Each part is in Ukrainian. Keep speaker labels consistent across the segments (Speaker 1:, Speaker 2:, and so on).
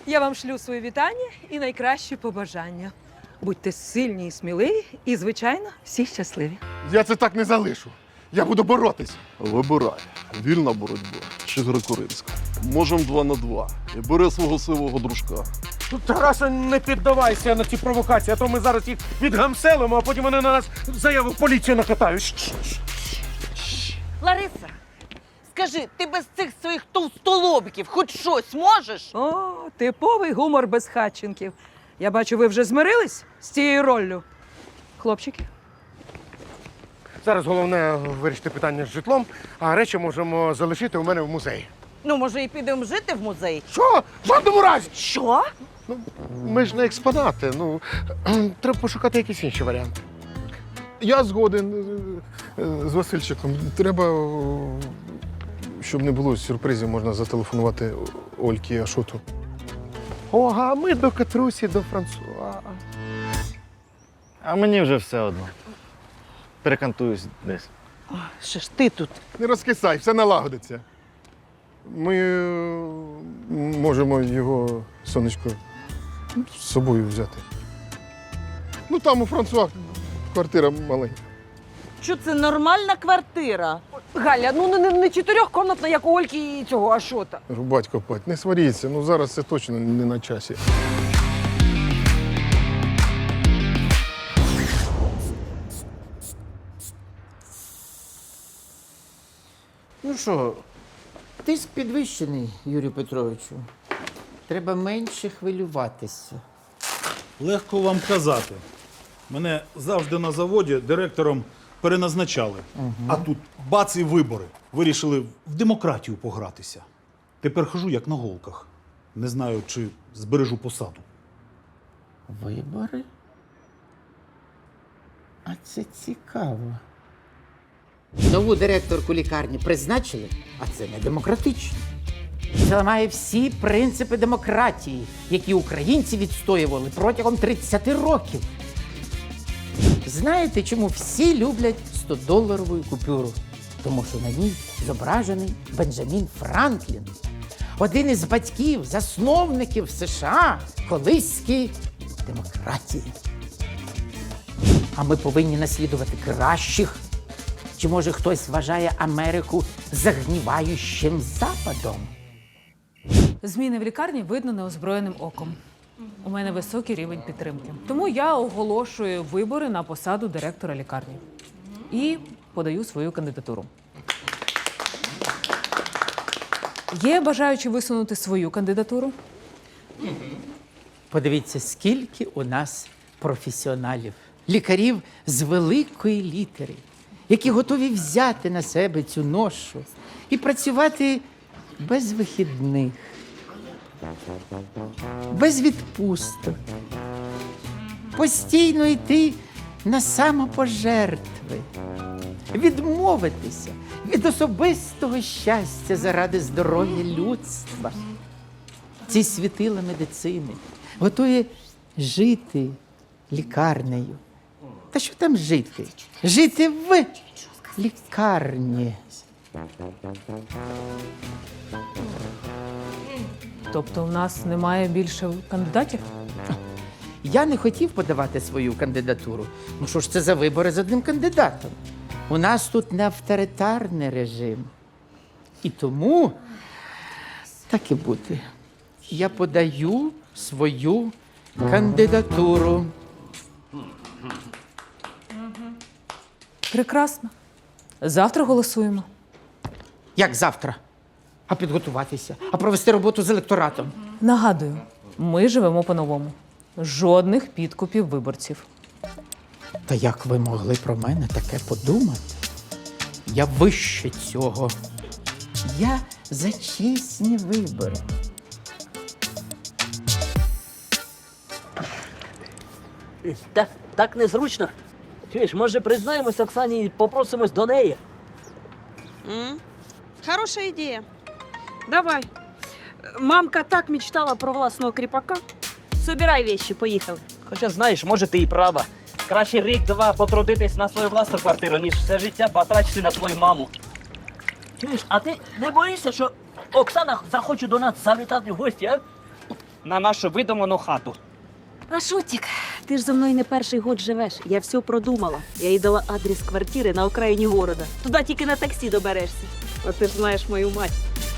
Speaker 1: Я вам шлю свої вітання і найкращі побажання. Будьте сильні і сміливі, і, звичайно, всі щасливі.
Speaker 2: Я це так не залишу. Я буду боротись. Вибирай. Вільна боротьба чи греко-римська. Можем 2 на 2. І бери свого сивого дружка.
Speaker 3: Тараса, не піддавайся на ці провокації, а то ми зараз їх відгамселимо, а потім вони на нас заяву в поліцію накатають.
Speaker 4: Лариса, скажи, ти без цих своїх товстолобиків хоч щось можеш?
Speaker 1: О, типовий гумор безхатченків. Я бачу, ви вже змирились з цією роллю. Хлопчики?
Speaker 3: Зараз головне вирішити питання з житлом, а речі можемо залишити у мене в музеї.
Speaker 4: Ну, може, і підемо жити в музей?
Speaker 3: Що? В жодному разі!
Speaker 4: Що?
Speaker 3: Ми ж не експонати, треба пошукати якісь інші варіанти.
Speaker 2: Я згоден з Васильчиком. Треба, щоб не було сюрпризів, можна зателефонувати Ольці Ашоту.
Speaker 3: О, а ми до Катрусі, до Франсуа.
Speaker 5: А мені вже все одно. Перекантуюсь десь.
Speaker 4: Що ж ти тут?
Speaker 2: Не розкисай, все налагодиться. Ми можемо його, сонечко, з собою взяти. Ну там у Франсуа квартира маленька.
Speaker 4: Що це нормальна квартира?
Speaker 1: Галя, ну не чотирьохкомнатна, як у Ольки і цього Ашота.
Speaker 2: Рубать копать, не сваріться, ну зараз це точно не на часі.
Speaker 6: Ну що, тиск підвищений, Юрію Петровичу. Треба менше хвилюватися.
Speaker 7: Легко вам казати. Мене завжди на заводі директором переназначали. А тут бац і вибори. Вирішили в демократію погратися. Тепер хожу як на голках. Не знаю, чи збережу посаду.
Speaker 6: Вибори? А це цікаво. Нову директорку лікарні призначили, а це не демократично. Це ламає всі принципи демократії, які українці відстоювали протягом 30 років. Знаєте, чому всі люблять 100-доларову купюру? Тому що на ній зображений Бенджамін Франклін, один із батьків, засновників США, колиської демократії. А ми повинні наслідувати кращих. Чи, може, хтось вважає Америку загніваючим Западом?
Speaker 8: Зміни в лікарні видно неозброєним оком. У мене високий рівень підтримки. Тому я оголошую вибори на посаду директора лікарні. І подаю свою кандидатуру. Є бажаючі висунути свою кандидатуру?
Speaker 6: Подивіться, скільки у нас професіоналів, лікарів з великої літери, які готові взяти на себе цю ношу і працювати без вихідних, без відпусток, постійно йти на самопожертви, відмовитися від особистого щастя заради здоров'я людства. Ці світила медицини готові жити лікарнею. Та що там жити? Жити в лікарні.
Speaker 8: Тобто в нас немає більше кандидатів?
Speaker 6: Я не хотів подавати свою кандидатуру. Ну що ж це за вибори з одним кандидатом? У нас тут не авторитарний режим. І тому, так і буде, я подаю свою кандидатуру.
Speaker 8: Прекрасно. Завтра голосуємо.
Speaker 6: Як завтра? А підготуватися? А провести роботу з електоратом?
Speaker 8: Нагадую, ми живемо по-новому. Жодних підкупів виборців.
Speaker 6: Та як ви могли про мене таке подумати? Я вище цього. Я за чесні вибори.
Speaker 9: Так незручно. Чуєш, може признаємось Оксані і попросимось до неї?
Speaker 10: Хорошая идея. Давай. Мамка так мечтала про власного кріпака. Собирай вещи, поїхали.
Speaker 9: Хоча, знаєш, може ти і права. Краще рік-два потрудитись на свою власну квартиру, ніж все життя батрачити на твою маму. Чуєш, а ти не боїшся, що Оксана захоче до нас завітати в гості, а? на нашу видуману хату.
Speaker 10: Ашотик, ти ж зо мною не перший год живеш. Я все продумала. Я їй дала адрес квартири на окраїні города. Туди тільки на таксі доберешся. А ти ж знаєш мою мать.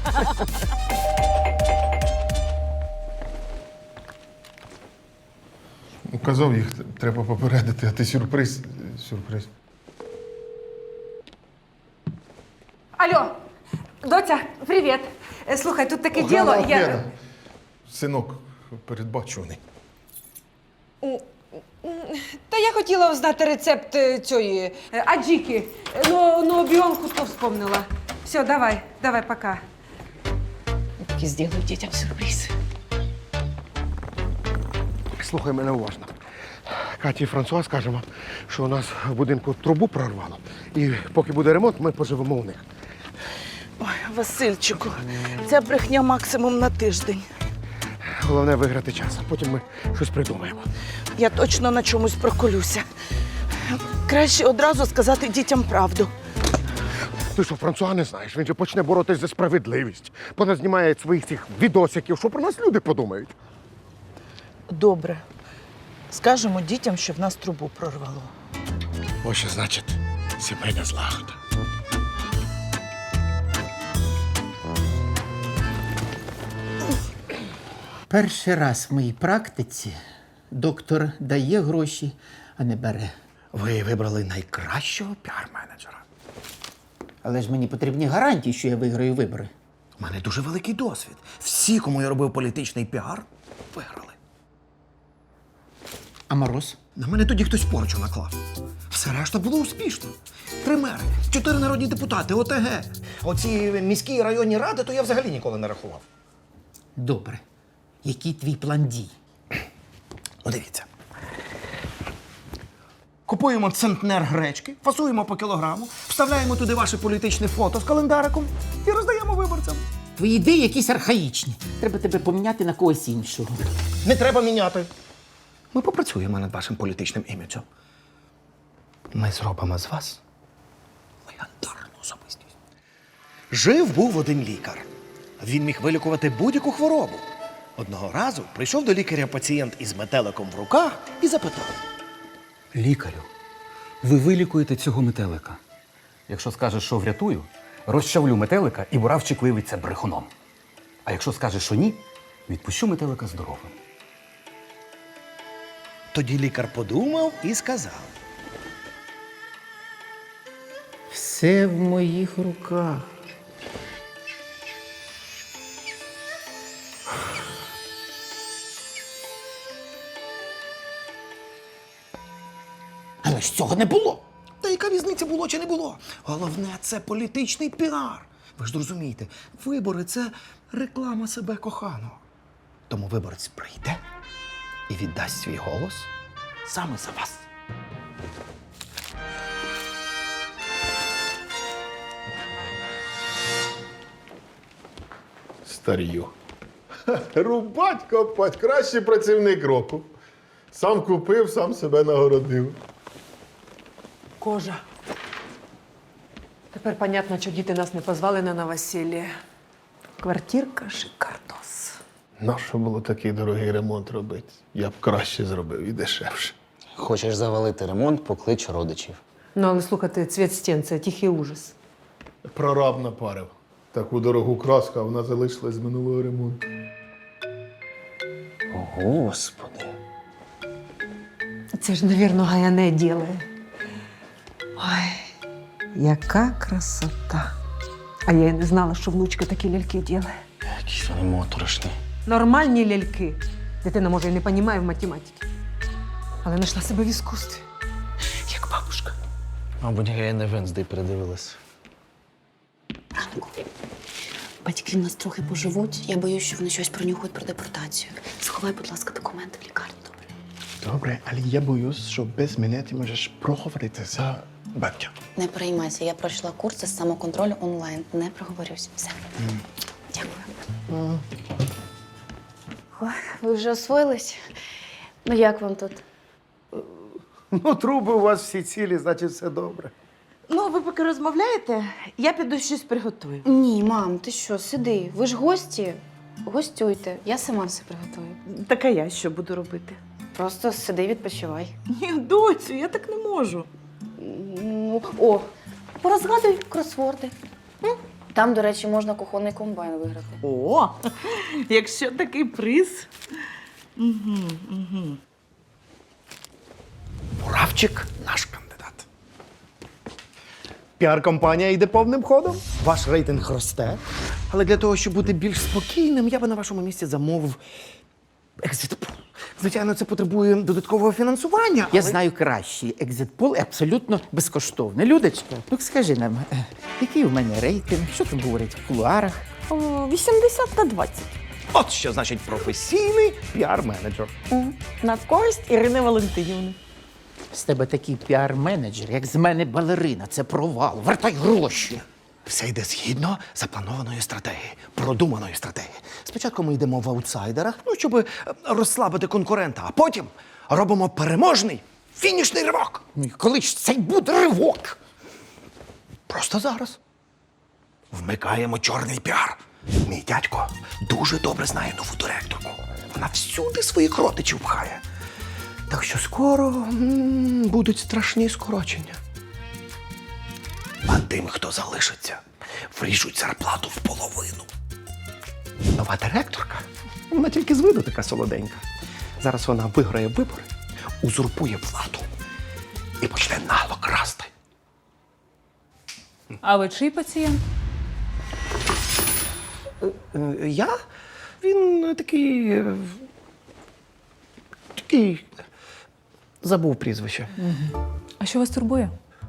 Speaker 3: Казав, їх треба попередити, а ти сюрприз. Сюрприз.
Speaker 8: Алло, доця, привіт. Слухай, тут таке діло.
Speaker 3: Лена, синок передбачуваний.
Speaker 1: Та я хотіла знати рецепт цієї аджіки. Ну, біонку то вспомнила. Все, давай, пока.
Speaker 4: Я зроблю дітям сюрприз.
Speaker 3: Слухай мене уважно. Каті і Франсуа скажемо, що у нас в будинку трубу прорвало. І поки буде ремонт, ми поживемо у них.
Speaker 4: Ой, Васильчику, ця брехня максимум на тиждень.
Speaker 3: Головне виграти час, а потім ми щось придумаємо.
Speaker 4: Я точно на чомусь проколюся. Краще одразу сказати дітям правду.
Speaker 3: Ти що, Франсуа не знаєш? Він же почне боротись за справедливість. Поназнімає своїх цих відосиків. Що про нас люди подумають?
Speaker 4: Добре. Скажемо дітям, що в нас трубу прорвало.
Speaker 3: Ось що значить сімейна злагода.
Speaker 6: Перший раз в моїй практиці доктор дає гроші, а не бере.
Speaker 11: Ви вибрали найкращого піар-менеджера.
Speaker 6: Але ж мені потрібні гарантії, що я виграю вибори.
Speaker 11: У мене дуже великий досвід. Всі, кому я робив політичний піар, виграли.
Speaker 6: А Мороз?
Speaker 11: На мене тоді хтось порчу наклав. Все решта було успішно. 3 мери, 4 народні депутати, ОТГ. Оці міські і районні ради, то я взагалі ніколи не рахував.
Speaker 6: Добре. Який твій план дій?
Speaker 11: Ну, дивіться. Купуємо центнер гречки, фасуємо по кілограму, вставляємо туди ваше політичне фото з календариком і роздаємо виборцям.
Speaker 6: Твої ідеї якісь архаїчні. Треба тебе поміняти на когось іншого.
Speaker 11: Не треба міняти. Ми попрацюємо над вашим політичним іміджем. Ми зробимо з вас легендарну особистість. Жив-був один лікар. Він міг вилікувати будь-яку хворобу. Одного разу прийшов до лікаря пацієнт із метеликом в руках і запитав.
Speaker 12: Лікарю, ви вилікуєте цього метелика. Якщо скажеш, що врятую, розчавлю метелика і буравчик виявиться брехуном. А якщо скажеш, що ні, відпущу метелика здоровим.
Speaker 11: Тоді лікар подумав і сказав.
Speaker 6: Все в моїх руках. Але ж цього не було.
Speaker 11: Та яка різниця, було чи не було? Головне, це політичний піар. Ви ж зрозумієте, вибори – це реклама себе коханого. Тому виборець прийде і віддасть свій голос саме за вас.
Speaker 2: Старію. Рубать, копать, кращий працівник року. Сам купив, сам себе нагородив.
Speaker 1: Кожа. Тепер понятно, що діти нас не позвали на новосілля. Квартирка шикардос.
Speaker 2: Нащо було такий дорогий ремонт робити? Я б краще зробив і дешевше.
Speaker 13: Хочеш завалити ремонт, поклич родичів.
Speaker 1: Ну, але слухайте, цвіт стін – це тихий ужас.
Speaker 2: Прораб напарив. Таку дорогу краску, а вона залишилась з минулого ремонту.
Speaker 13: Господи.
Speaker 1: Це ж, навірно, Гаяне ділає. Ой, яка красота. А я й не знала, що внучка такі ляльки ділає.
Speaker 13: Якісь вони моторошні.
Speaker 1: Нормальні ляльки. Дитина, може, і не розуміє в математиці. Але знайшла себе в іскусстві. Як бабушка.
Speaker 13: Мабуть, Гаяне Венздей передивилась.
Speaker 14: Батьки в нас трохи поживуть. Я боюсь, що вони щось пронюхають про депортацію. Сховай, будь ласка, документи в лікарні, добре?
Speaker 3: Добре, але я боюсь, що без мене ти можеш проговорити за батька.
Speaker 14: Не переймайся, я пройшла курси з самоконтролю онлайн. Не проговорюсь. Все. Дякую. Ой, ви вже освоїлись? Ну як вам тут?
Speaker 3: Ну, труби у вас всі цілі, значить все добре.
Speaker 4: Ну, ви поки розмовляєте, я піду щось приготую.
Speaker 14: Ні, мам, ти що, сиди. Ви ж гості. Гостюйте, я сама все приготую.
Speaker 4: Так а я що буду робити?
Speaker 14: Просто сиди, відпочивай.
Speaker 4: Ні, доцю, я так не можу.
Speaker 14: Ну, о, порозгадуй кросворди. Там, до речі, можна кухонний комбайн виграти.
Speaker 4: О, якщо такий приз. Угу.
Speaker 11: Муравчик наш кандидат. Піар-компанія йде повним ходом. Ваш рейтинг росте. Але для того, щоб бути більш спокійним, я би на вашому місці замовив екзит-пул. Звичайно, це потребує додаткового фінансування.
Speaker 6: Я знаю кращий екзит-пул і абсолютно безкоштовний. Людочка, ну скажи нам, який у мене рейтинг? Що там говорять в кулуарах?
Speaker 4: 80/20.
Speaker 11: От що значить професійний піар-менеджер.
Speaker 4: На користь Ірини Валентинівни.
Speaker 6: З тебе такий піар-менеджер, як з мене балерина. Це провал. Вертай гроші.
Speaker 11: Все йде згідно запланованої стратегії, продуманої стратегії. Спочатку ми йдемо в аутсайдерах, щоб розслабити конкурента, а потім робимо переможний фінішний ривок.
Speaker 6: Ну і коли ж цей буде ривок?
Speaker 11: Просто зараз. Вмикаємо чорний піар. Мій дядько дуже добре знає нову директорку. Вона всюди своїх родичів пхає. Так що скоро будуть страшні скорочення. А тим, хто залишиться, вріжуть зарплату в половину. Нова директорка, вона тільки з виду така солоденька. Зараз вона виграє вибори, узурпує владу і почне нагло красти.
Speaker 8: А ви чий пацієнт?
Speaker 11: Я? Він такий. Такий. Забув прізвище.
Speaker 8: А що вас турбує?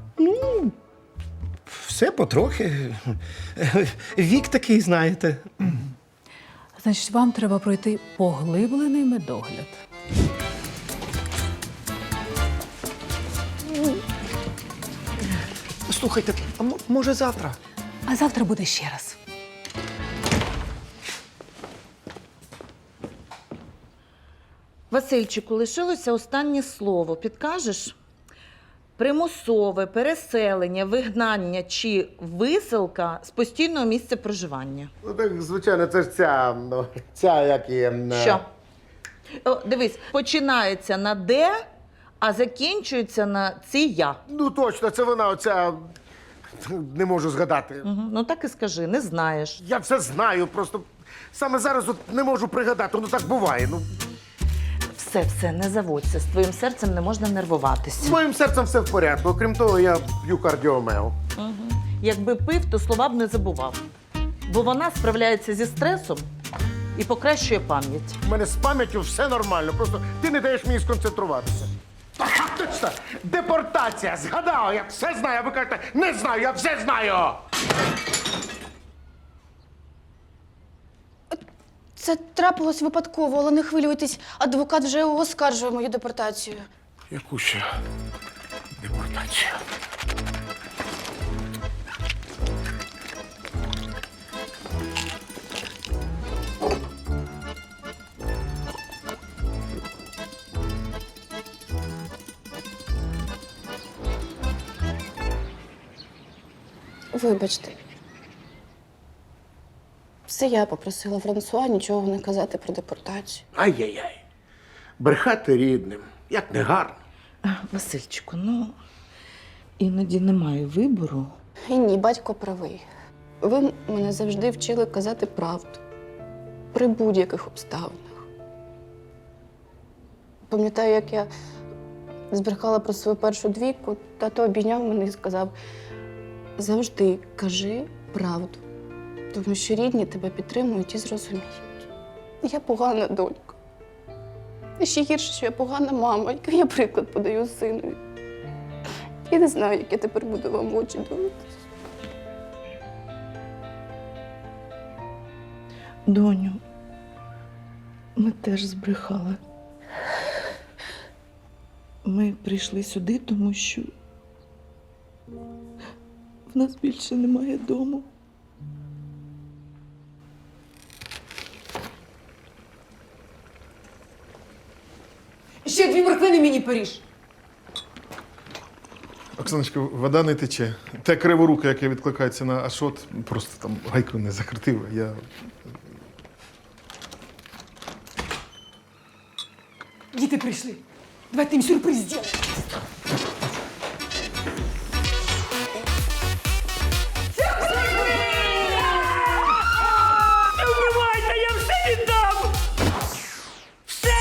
Speaker 11: Все потрохи. Вік такий, знаєте.
Speaker 8: Значить, вам треба пройти поглиблений медогляд.
Speaker 11: Слухайте, а може завтра?
Speaker 8: А завтра буде ще раз.
Speaker 4: Васильчику, лишилося останнє слово. Підкажеш? Примусове переселення, вигнання чи виселка з постійного місця проживання.
Speaker 3: Ну так, звичайно, це ж ця як і...
Speaker 4: Що? О, дивись, починається на «де», а закінчується на «ція».
Speaker 3: Ну точно, це вона оця... Не можу згадати.
Speaker 4: Угу. Ну так і скажи, не знаєш.
Speaker 3: Я все знаю, просто саме зараз от не можу пригадати, ну так буває. Ну,
Speaker 4: Все, не заводься. З твоїм серцем не можна
Speaker 3: з
Speaker 4: нервуватися.
Speaker 3: моїм серцем все в порядку. Окрім того, я п'ю кардіомео.
Speaker 4: Угу. Якби пив, то слова б не забував. Бо вона справляється зі стресом і покращує пам'ять.
Speaker 3: У мене з пам'яттю все нормально, просто ти не даєш мені сконцентруватися. Ага, точно! Депортація! Згадав! Я все знаю, а ви кажете, не знаю, я все знаю!
Speaker 14: Це трапилось випадково, але не хвилюйтесь. Адвокат вже оскаржує мою депортацію.
Speaker 3: Яку ще депортацію?
Speaker 14: Вибачте. Це я попросила Франсуа нічого не казати про депортацію.
Speaker 3: Ай-яй-яй. Брехати рідним. Як не гарно.
Speaker 4: Васильчику, ну іноді немає вибору.
Speaker 14: І ні, батько правий. Ви мене завжди вчили казати правду. При будь-яких обставинах. Пам'ятаю, як я збрехала про свою першу двійку, тато обійняв мене і сказав: завжди кажи правду, тому що рідні тебе підтримують і зрозуміють. Я погана донька. І ще гірше, що я погана мама, який я приклад подаю синові. Я не знаю, як я тепер буду вам в очі дивитися.
Speaker 4: Доню, ми теж збрехали. Ми прийшли сюди, тому що в нас більше немає дому.
Speaker 1: Ще 2 морквини мені поріж.
Speaker 2: Оксаночка, вода не тече. Те криворуке, яке відкликається на Ашот, просто там гайку не закрутив. Я
Speaker 1: Діти прийшли. Давайте їм сюрприз зробимо.
Speaker 9: Не вбивайте, я все віддам! Все!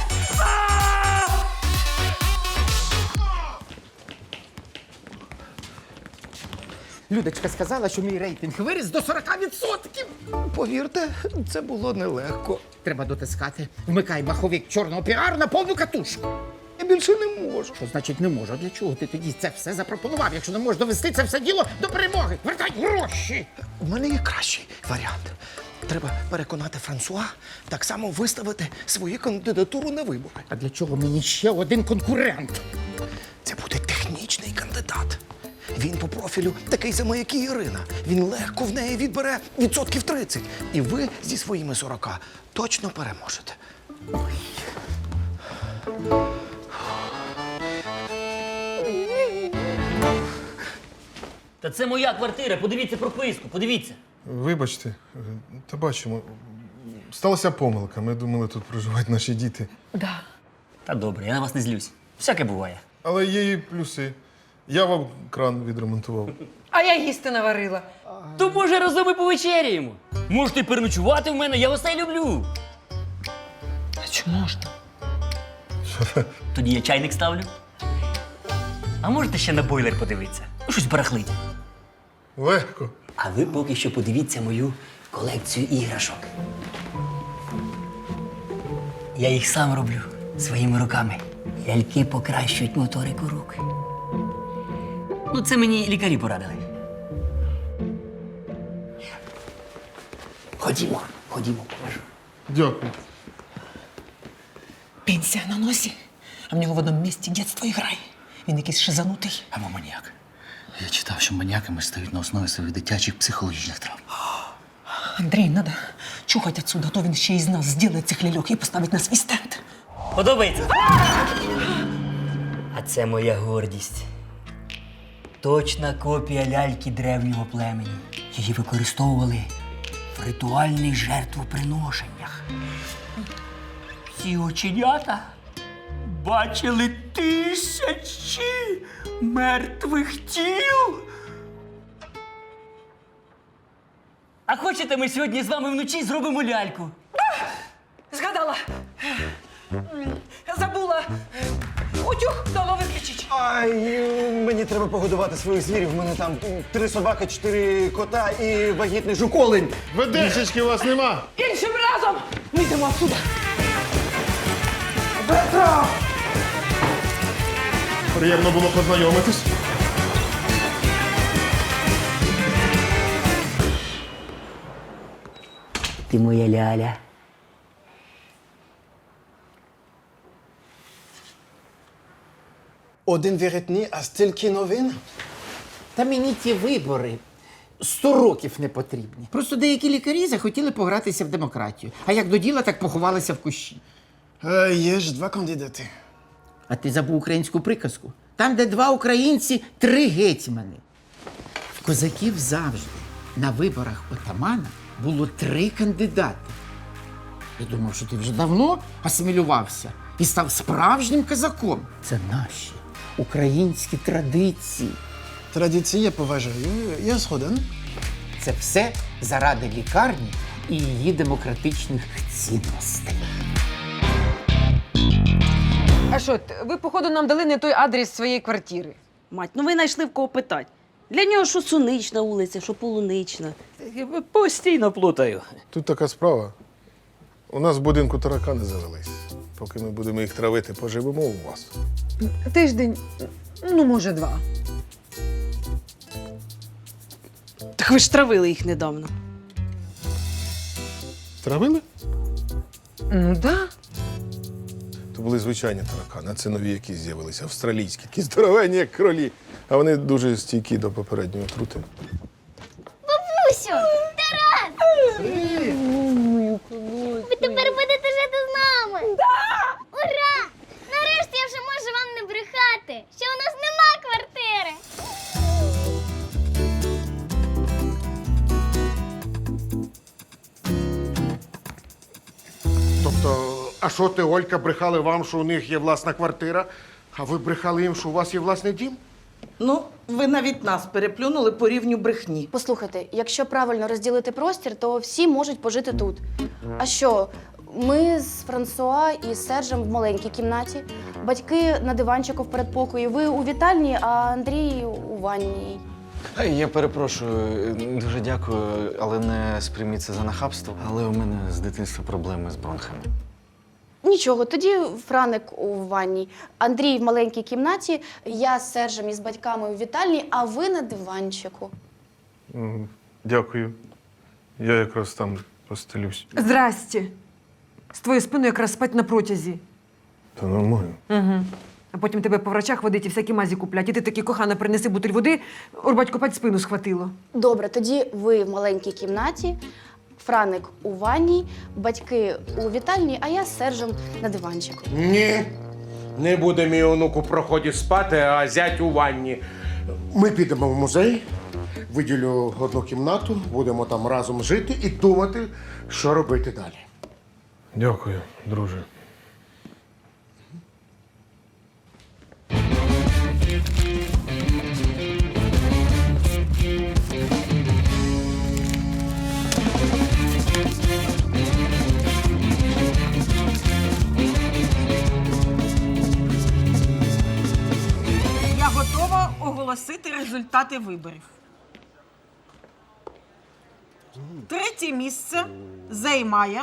Speaker 6: Людочка сказала, що мій рейтинг виріс до 40%.
Speaker 11: Повірте, це було нелегко.
Speaker 6: Треба дотискати. Вмикай маховик чорного піару на повну катушку.
Speaker 11: Я більше не можу.
Speaker 6: Що значить не можу? А для чого ти тоді це все запропонував, якщо не можеш довести це все діло до перемоги? Вертай гроші!
Speaker 11: У мене є кращий варіант. Треба переконати Франсуа так само виставити свою кандидатуру на вибори.
Speaker 6: А для чого мені ще один конкурент?
Speaker 11: Це буде технічний кандидат. Він по профілю такий самий, як і Ірина. Він легко в неї відбере 30%. І ви зі своїми 40 точно переможете.
Speaker 9: Та це моя квартира, подивіться прописку, подивіться.
Speaker 2: Вибачте, та бачимо. Сталася помилка. Ми думали, тут проживають наші діти.
Speaker 9: Та добре, я на вас не злюсь. Всяке буває.
Speaker 2: Але є і плюси. Я вам кран відремонтував.
Speaker 1: А я їсти наварила.
Speaker 9: То може разом і повечеряємо. Можете переночувати в мене, я вас не люблю.
Speaker 1: А чи можна?
Speaker 9: Тоді я чайник ставлю. А можете ще на бойлер подивитися? Ну, щось барахлить.
Speaker 2: Легко.
Speaker 9: А ви поки що подивіться мою колекцію іграшок. Я їх сам роблю своїми руками. Ляльки покращують моторику рук. Ну, це мені лікарі порадили. Ходімо, покажу.
Speaker 2: Дякую.
Speaker 6: Пенсія на носі, а в нього в одному місці дитинство і грає. Він якийсь шизанутий.
Speaker 13: Або маніяк. Я читав, що маніяками стають на основі своїх дитячих психологічних травм.
Speaker 6: Андрій, надо чухати отсюда, а то він ще із нас зробить цих ляльок і поставить на свій стенд.
Speaker 9: Подобається? А це моя гордість. Точна копія ляльки древнього племені. Її використовували в ритуальних жертвоприношеннях. Ці оченята бачили тисячі мертвих тіл. А хочете, ми сьогодні з вами вночі зробимо ляльку?
Speaker 1: Згадала. Забула. Утюг дома виключить.
Speaker 11: Ай, мені треба погодувати своїх звірів. У мене там 3 собаки, 4 кота і вагітний жуколень.
Speaker 2: Ведешечки у вас нема.
Speaker 1: Іншим разом ми йдемо отсюда.
Speaker 2: Приємно було познайомитись.
Speaker 9: Ти моя ляля.
Speaker 11: Один віритні, а стільки новин.
Speaker 6: Та мені ті вибори 100 років не потрібні. Просто деякі лікарі захотіли погратися в демократію. А як до діла, так поховалися в кущі.
Speaker 11: Є ж 2 кандидати.
Speaker 6: А ти забув українську приказку? Там, де 2 українці, 3 гетьмани. В козаків завжди на виборах отамана було 3 кандидати. Я думав, що ти вже давно асимілювався і став справжнім козаком. Це наші українські традиції.
Speaker 11: Традиції я поважаю, я згоден.
Speaker 6: Це все заради лікарні і її демократичних цінностей.
Speaker 1: А що, ви, походу, нам дали не той адрес своєї квартири.
Speaker 10: Мать, ну ви знайшли в кого питати. Для нього що Сунична вулиця, що Полунична.
Speaker 9: Постійно плутаю.
Speaker 2: Тут така справа. У нас в будинку таракани завелись. Поки ми будемо їх травити, поживемо у вас.
Speaker 1: Тиждень, ну, може, 2.
Speaker 10: Так ви ж травили їх недавно.
Speaker 2: Травили?
Speaker 1: Ну, да.
Speaker 2: То були звичайні таракани, а це нові, які з'явилися, австралійські, такі здоровенні, як кролі. А вони дуже стійкі до попередньої отрути.
Speaker 15: Бабусю! Тарас! Ви тепер будете жити з нами! Ура! Нарешті я вже можу вам не брехати, що у нас нема квартири!
Speaker 3: Тобто А що ти, Олька, брехали вам, що у них є власна квартира, а ви брехали їм, що у вас є власний дім?
Speaker 4: Ну, ви навіть нас переплюнули по рівню брехні.
Speaker 14: Послухайте, якщо правильно розділити простір, то всі можуть пожити тут. А що? Ми з Франсуа і Сержем в маленькій кімнаті, батьки на диванчику в передпокої, ви у вітальні, а Андрій у ванній.
Speaker 5: Я перепрошую, дуже дякую, але не сприйміть це за нахабство. Але у мене з дитинства проблеми з бронхами.
Speaker 14: Нічого, тоді Франик у ванній, Андрій в маленькій кімнаті, я з Сержем і з батьками у вітальні, а ви на диванчику.
Speaker 2: Дякую. Я якраз там постелюсь.
Speaker 1: Здрасте. З твоєю спиною якраз спать на протязі.
Speaker 2: Та нормально.
Speaker 1: Угу. А потім тебе по врачах водить і всякі мазі куплять. І ти такий, кохана, принеси бутиль води, Орбатько пать спину схватило.
Speaker 14: Добре, тоді ви в маленькій кімнаті, Франик у ванній, батьки у вітальні, а я з Сержем на диванчику.
Speaker 3: Ні. Не буде мій онук у проході спати, а зять у ванні. Ми підемо в музей, виділю одну кімнату, будемо там разом жити і думати, що робити далі.
Speaker 2: Дякую, друже.
Speaker 4: Я готова оголосити результати виборів. Третє місце займає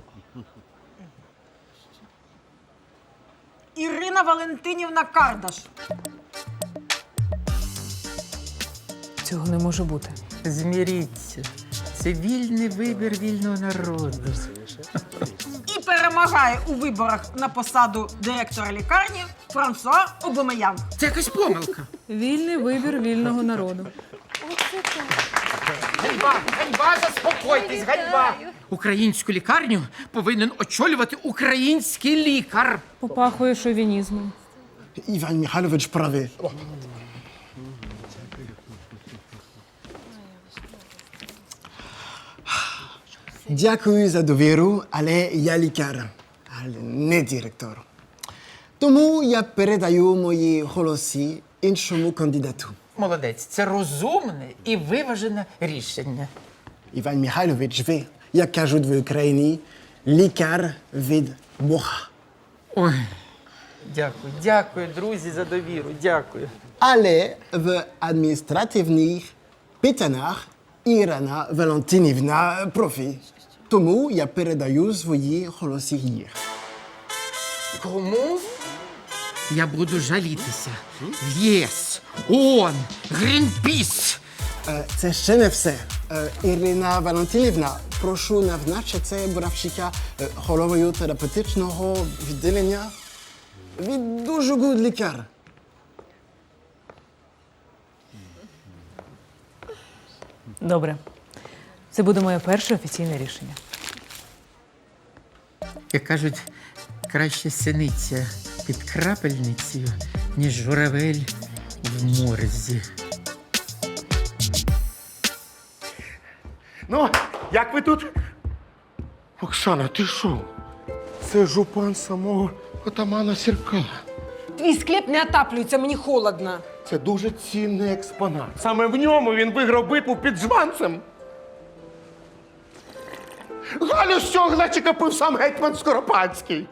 Speaker 4: Ірина Валентинівна Кардаш.
Speaker 8: Цього не може бути.
Speaker 6: Зміріться. Це вільний вибір вільного народу.
Speaker 4: І перемагає у виборах на посаду директора лікарні Франсуа Обомеян.
Speaker 6: Це якась помилка.
Speaker 8: Вільний вибір вільного народу.
Speaker 6: Ганьба! Ганьба! Заспокойтесь! Ганьба! Українську лікарню повинен очолювати український лікар.
Speaker 8: Попахує шовінізмом.
Speaker 11: Іван Михайлович правий. Дякую за довіру, але я лікар, але не директор. Тому я передаю мої голоси іншому кандидату.
Speaker 6: Молодець, це розумне і виважене рішення.
Speaker 11: Іван Михайлович, ви, як кажуть в Україні, лікар від Бога.
Speaker 6: Ой, дякую, друзі, за довіру, дякую.
Speaker 11: Але в адміністративних питаннях Ірина Валентинівна профі. Тому я передаю свої голоси їй.
Speaker 6: Кому? Я буду жалітися. В ЄС, ООН, Грінпіс.
Speaker 11: Це ще не все. Ірина Валентинівна, прошу назначити Боровчика головою терапевтичного відділення. Він дуже гуд лікар.
Speaker 8: Добре. Це буде моє перше офіційне рішення.
Speaker 6: Як кажуть, краще синиця під крапельницею, ніж журавель в морзі.
Speaker 3: Ну, як ви тут? Оксана, ти що? Це жупан самого отамана Сірка.
Speaker 1: Твій склеп не отаплюється, мені холодно.
Speaker 3: Це дуже цінний експонат. Саме в ньому він виграв битву під Жванцем. Галю з цього глечика пив сам гетьман Скоропадський.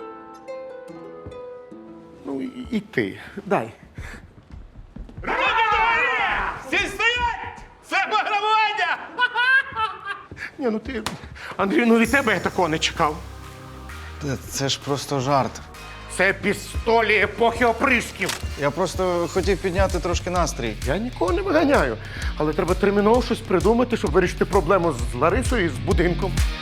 Speaker 3: Ну, і ти. Дай.
Speaker 16: Всі стоять! Це пограбування!
Speaker 3: Ні, ну ти, Андрій, ну від тебе я такого не чекав.
Speaker 5: Це ж просто жарт.
Speaker 3: Це пістолі епохи оприсків.
Speaker 5: Я просто хотів підняти трошки настрій.
Speaker 3: Я нікого не виганяю. Але треба терміново щось придумати, щоб вирішити проблему з Ларисою і з будинком.